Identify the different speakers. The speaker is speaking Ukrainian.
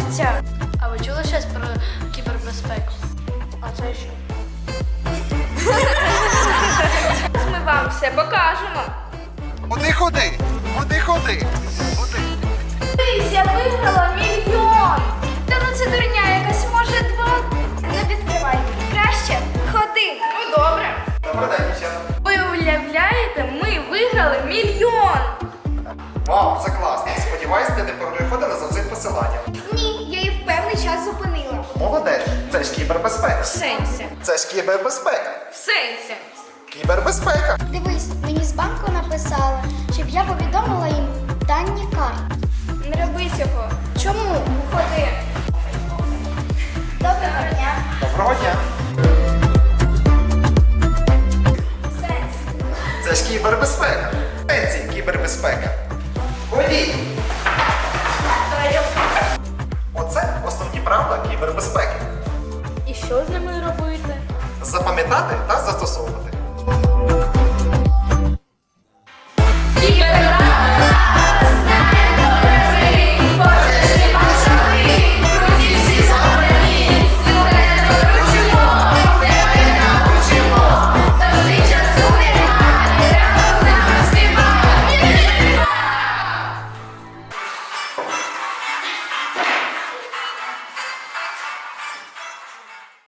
Speaker 1: відбувається? А ви чули щось про кібербезпеку? А це що?
Speaker 2: Ми вам все покажемо.
Speaker 3: Куди ходи? Куди ходи? Куди?
Speaker 2: Дивись, я виграла 1 мільйон. Та ну це дурня якась, може 2. Не відкривай. Краще ходи. Ну добре.
Speaker 3: Добрий день, дівчата.
Speaker 2: Ви уявляєте, ми виграли 1 мільйон.
Speaker 3: Вау, це класно. Сподіваюсь, ти не переходила за цим посиланням.
Speaker 2: Ні, я її в певний час зупинила.
Speaker 3: Молодець, це ж кібербезпека.
Speaker 2: В сенсі.
Speaker 3: Це ж кібербезпека.
Speaker 2: В сенсі.
Speaker 3: Кібербезпека.
Speaker 4: Дивись, мені з банку написали, щоб я повідомила їм дані карт.
Speaker 2: Не роби цього.
Speaker 4: Чому?
Speaker 2: Ходи.
Speaker 4: Доброго дня.
Speaker 3: Доброго дня.
Speaker 2: В сенсі.
Speaker 3: Це ж кібербезпека. Пенсії кібербезпека. Ходіть. Оце основні правила кібербезпеки.
Speaker 1: І що з ними робити?
Speaker 3: Запам'ятати та застосовувати.